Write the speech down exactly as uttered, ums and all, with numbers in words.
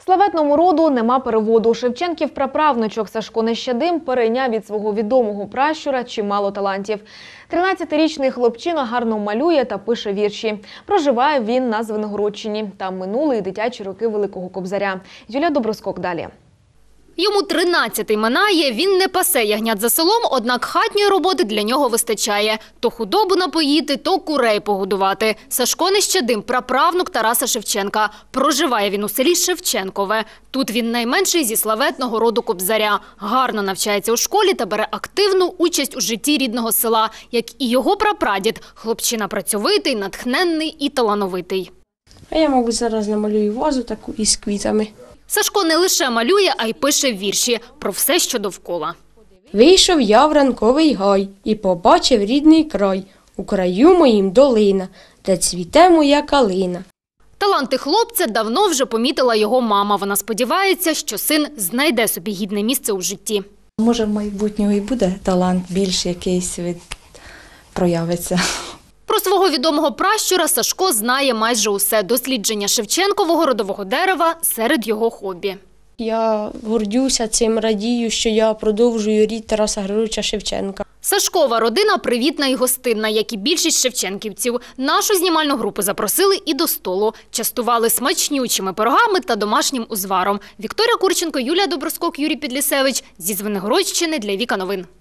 Славетному роду нема переводу. Шевченків праправничок Сашко Нещадим перейняв від свого відомого пращура чимало талантів. тринадцятирічний хлопчина гарно малює та пише вірші. Проживає він на Звенигородчині. Там минули і дитячі роки Великого Кобзаря. Юлія Доброскок далі. Йому тринадцятий минає, він не пасе ягнят за селом, однак хатньої роботи для нього вистачає. То худобу напоїти, то курей погодувати. Сашко Нещадим – праправнук Тараса Шевченка. Проживає він у селі Шевченкове. Тут він найменший зі славетного роду Кобзаря. Гарно навчається у школі та бере активну участь у житті рідного села. Як і його прапрадід – хлопчина працьовитий, натхненний і талановитий. А я, мабуть, зараз намалюю вазу таку із квітами. Сашко не лише малює, а й пише вірші про все, що довкола. Вийшов я в ранковий гай і побачив рідний край. У краю моїм долина, де цвіте моя калина. Таланти хлопця давно вже помітила його мама. Вона сподівається, що син знайде собі гідне місце у житті. Може, в майбутнього і буде талант більш якийсь від... проявиться. Про свого відомого пращура Сашко знає майже усе. Дослідження Шевченкового родового дерева серед його хобі. Я гордюся цим, радію, що я продовжую рід Тараса Григоровича Шевченка. Сашкова родина привітна і гостинна, як і більшість шевченківців. Нашу знімальну групу запросили і до столу. Частували смачнючими пирогами та домашнім узваром. Вікторія Курченко, Юлія Доброскок, Юрій Підлісевич. Зі Звенигородщини для Віка Новин.